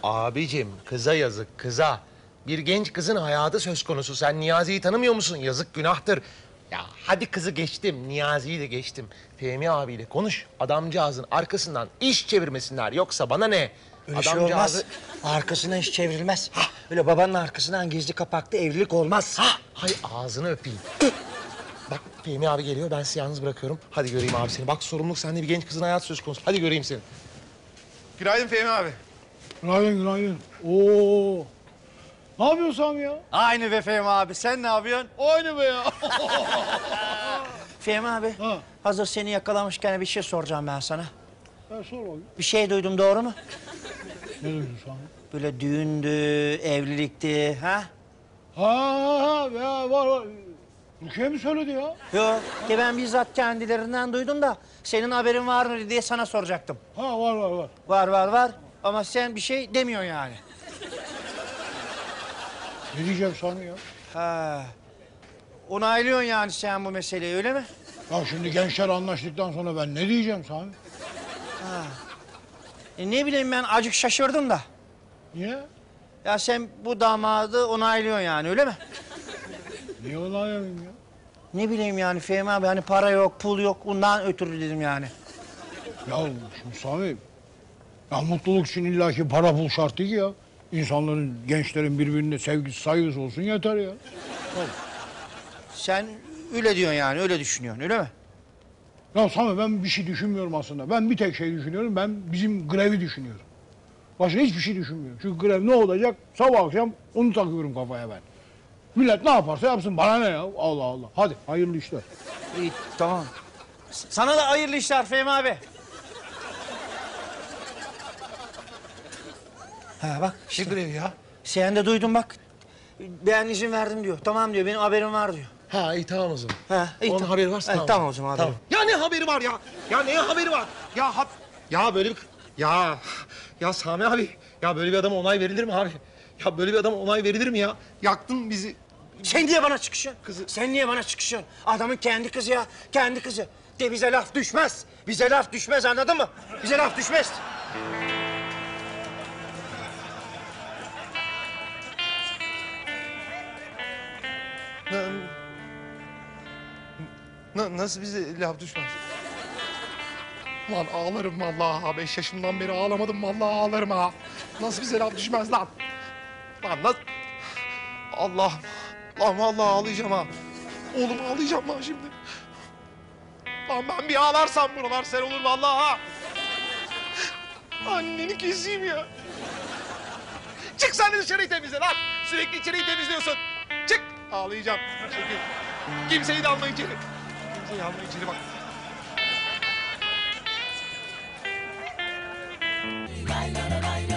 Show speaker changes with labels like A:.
A: Abicim kıza yazık kıza. Bir genç kızın hayatı söz konusu. Sen Niyazi'yi tanımıyor musun? Yazık günahtır. Ya hadi kızı geçtim, Niyazi'yi de geçtim. Fehmi abiyle konuş. Adamcağızın arkasından iş çevirmesinler. Yoksa bana ne?
B: Öyle şey olmaz. Arkasına iş çevrilmez. Öyle babanın arkasından gizli kapaklı evlilik olmaz.
A: Hay ağzını öpeyim. Bak Fehmi abi geliyor, ben sizi yalnız bırakıyorum. Hadi göreyim abi seni. Bak sorumluluk sende, bir genç kızın hayatı söz konusu. Hadi göreyim seni.
C: Günaydın Fehmi abi.
D: Günaydın, günaydın. Oo. Ne yapıyorsun Sami ya?
E: Aynı be Fehmi abi. Sen ne yapıyorsun?
D: Aynı be ya.
B: Fehmi abi,
D: Ha.
B: hazır seni yakalamışken bir şey soracağım ben sana.
D: Ya sor bakayım.
B: Bir şey duydum, doğru mu?
D: Ne duydun Sami?
B: Böyle düğündü, evlilikti, ha?
D: Ha, ya var. Rukiye mi söyledi ya?
B: Yok, ki ben bizzat kendilerinden duydum da senin haberin var mı diye sana soracaktım.
D: Ha, var.
B: Var ama sen bir şey demiyorsun yani.
D: Ne diyeceğim Sami ya?
B: Ha. Onaylıyorsun yani sen bu meseleyi, öyle mi?
D: Ya şimdi gençler anlaştıktan sonra ben ne diyeceğim Sami?
B: Ne bileyim, ben acık şaşırdım da.
D: Niye?
B: Ya sen bu damadı onaylıyorsun yani, öyle mi?
D: Niye onaylayayım ya?
B: Ne bileyim yani Fehmi abi, hani para yok, pul yok, ondan ötürü dedim yani.
D: Ya şimdi Sami, ya mutluluk için illaki para pul şart değil ki ya. İnsanların, gençlerin birbirine sevgisi, saygısı olsun yeter ya.
B: Sen öyle diyorsun yani, öyle düşünüyorsun, öyle mi?
D: Ya Sami, ben bir şey düşünmüyorum aslında. Ben bir tek şey düşünüyorum, ben bizim grevi düşünüyorum. Başka hiçbir şey düşünmüyorum. Çünkü grev ne olacak? Sabah akşam onu takıyorum kafaya ben. Millet ne yaparsa yapsın, bana ne ya? Allah Allah. Hadi, hayırlı işler.
B: İyi, tamam. Sana da hayırlı işler Fehmi abi. Ha bak,
A: Ne
B: işte
A: grevi ya?
B: sen de duydun bak. Ben izin verdim diyor, tamam diyor, benim haberim var diyor.
A: Ha iyi tamam o zaman.
B: Ha, iyi,
A: Onun
B: tamam.
A: haberi varsa
B: Evet,
A: tamam.
B: tamam o zaman, haberi.
A: Tamam. Ya ne haberi var ya? Ya neye haberi var? Ya böyle bir... Ya Sami abi, ya böyle bir adama onay verilir mi abi? Ya böyle bir adama onay verilir mi ya? Yaktın bizi.
B: Sen niye bana çıkışıyorsun?
A: Kızı-
B: Sen niye bana çıkışıyorsun? Adamın kendi kızı ya, kendi kızı. De bize laf düşmez. Bize laf düşmez, anladın mı? Bize laf düşmez.
A: Nasıl bize laf düşmez? Lan ağlarım vallahi ha. 5 yaşımdan beri ağlamadım vallahi ağlarım ha. Nasıl bize laf düşmez lan? Lan nasıl... Allah'ım. Lan vallahi ağlayacağım ha. Oğlum ağlayacağım lan şimdi. Lan ben bir ağlarsam buralar sen olur vallahi ha. Anneni keseyim ya. Çık sen de dışarıyı temizle lan. Sürekli içeriği temizliyorsun. Çık. Ağlayacağım. Çekil. Kimseyi de alma içeri. Kimseyi alma içeri bak.
F: Lay la la lay la.